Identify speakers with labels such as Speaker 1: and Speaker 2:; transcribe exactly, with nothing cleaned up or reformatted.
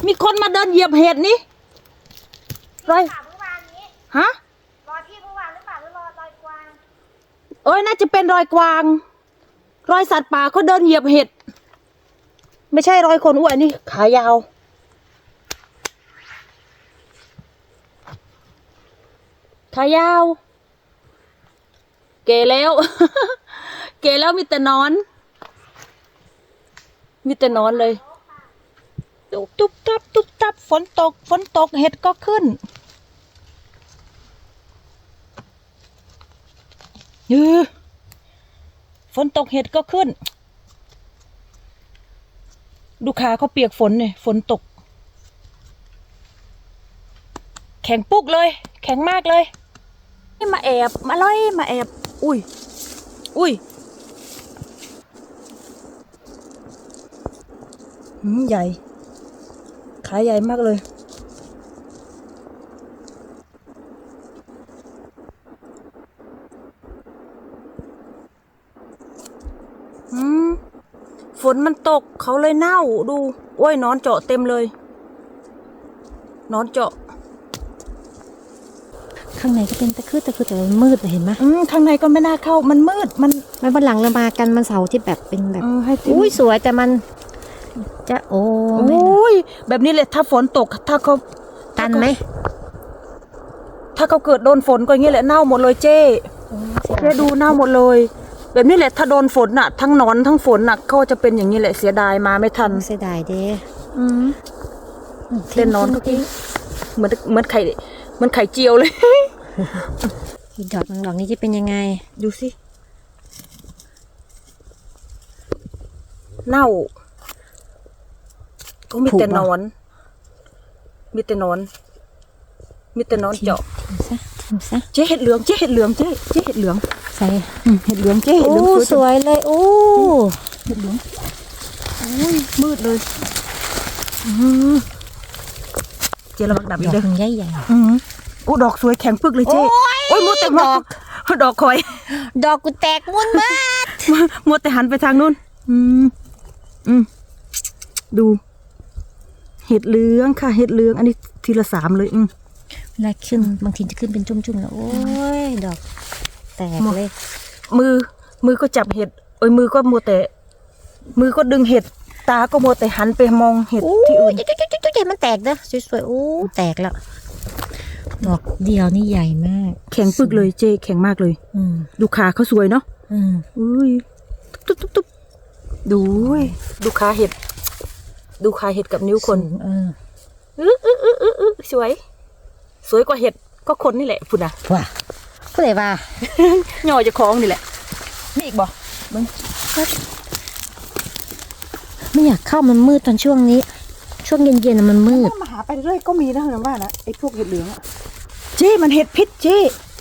Speaker 1: มีคนมาเดินเหยียบเห็ดนี่รอยฮะ
Speaker 2: รอยพี่เมื่อวานหรือเปล่าหรือรอยรอยกวาง
Speaker 1: เอ้ยน่าจะเป็นรอยกวางรอยสัตว์ป่าเขาเดินเหยียบเห็ดไม่ใช่รอยคนอ้วนนี่ขายาวขายาว เกแล้ว เกแล้วมีแต่นอนมีแต่นอนเลยตุ๊บตุ๊บตับตุ๊บตับฝนตกฝนตกเห็ดก็ขึ้นเออฝนตกเห็ดก็ขึ้นดูขาเขาเปียกฝนเนี่ยฝนตกแข็งปุ๊กเลยแข็งมากเลยนี่มาแอบมาล่อยมาแอบอุ้ยอุ้ยหืมใหญ่ขาใหญ่มากเลยอืมฝนมันตกเขาเลยเน่าดูโอ้ยนอนเจาะเต็มเลยนอนเจาะ
Speaker 3: ข้างในก็เป็นตะคือตะคือแต่มันมืดเห็นไหม
Speaker 1: อืมข้างในก็ไม่น่าเข้ามันมืดมัน
Speaker 3: ไม่วันหลังเรามากันมันเสาร์ที่แบบเป็นแบบอุ้ยสวยแต่มันจะโอ้
Speaker 1: โอ้ยแบบนี้เลยถ้าฝนตกถ้าเขา
Speaker 3: ตันไหม
Speaker 1: ถ้าเขาเกิดโดนฝนก็อย่างนี้แหละเน่าหมดเลยเจ๊เจ๊ดูเน่าหมดเลยแบบนี้แหละถ้าโดนฝนน่ะทั้งนอนทั้งฝนน่ะก็จะเป็นอย่างนี้แหละเสียดายมาไม่ทัน
Speaker 3: เสียดายเด้
Speaker 1: อืมเล่นนอนก็ทิ้งเหมือนเหมือนไข่เหมือนไข่เจียวเลย
Speaker 3: อีดอกดอกนี้จะเป็นยังไง
Speaker 1: ดูสิเน่าก็มีแต่นอนมีแต่นอนมีแต่นอนเจาะ
Speaker 3: ทิมซะทิมซะ
Speaker 1: เจ๊เห็ดเหลืองเจ๊เห็ดเหลืองเจ๊เจ๊เห็ดเหลือง
Speaker 3: ใส่
Speaker 1: เห็ดเหลืองเจ๊เห็ดเหลือง
Speaker 3: สวยเลยโอ้
Speaker 1: เห็ดเหลืองโอ้ยมืดเลยเจ๊ระวังดับอีกเด้อ
Speaker 3: ใหญ่ใหญ่
Speaker 1: โอ้ดอกสวยแข็งปึกเลยเจ๊โอ้ยมัวแต่ดอกดอกคอย
Speaker 3: ดอกกูแตกมุนมาก
Speaker 1: มัวแต่หันไปทางนู้นอืมอืมดูเห็ดเหลืองค่ะเห็ดเหลืองอันนี้ทีละสามเลยอืม
Speaker 3: เวลาขึ้นบางทีจะขึ้นเป็นจุ่มๆแล้วโอ้ยดอกแตกเลย
Speaker 1: มือมือก็จับเห็ดเอ้ยมือก็มัวแต่มือก็ดึงเห็ดตาก็มัวแต่หันไปมองเห็ดที่อื่น
Speaker 3: จุ๊จุ๊จุ๊จุ๊มันแตกเด้อสวยๆโอ้แตกแล้วดอกเดียวนี่ใหญ่มาก
Speaker 1: แข็งปึกเลยเจ๊แข็งมากเลย
Speaker 3: อืม
Speaker 1: ดูขาเขาสวยเนาะ
Speaker 3: อืม
Speaker 1: อุ้ยตุ๊บตุ๊บตุ๊บดูดูขาเห็ดดูขาเห็ดกับนิ้วคน
Speaker 3: เออ
Speaker 1: อืออืออืออือสวยสวยกว่าเห็ดก็คนนี่แหละพุ่นนะ
Speaker 3: ว้าก็เลยว่า
Speaker 1: หน่อจะคล้องนี่แหละนี่อีกบ่มึง
Speaker 3: ไม่อยากเข้ามันมืดตอนช่วงนี้ช่วงเย็นๆมันมืด
Speaker 1: มาหาไปเรื่อยก็มีนะเห็นว่านะไอ้พวกเห็ดเหลืองอะเจ๊มันเห็ดพิษเจ๊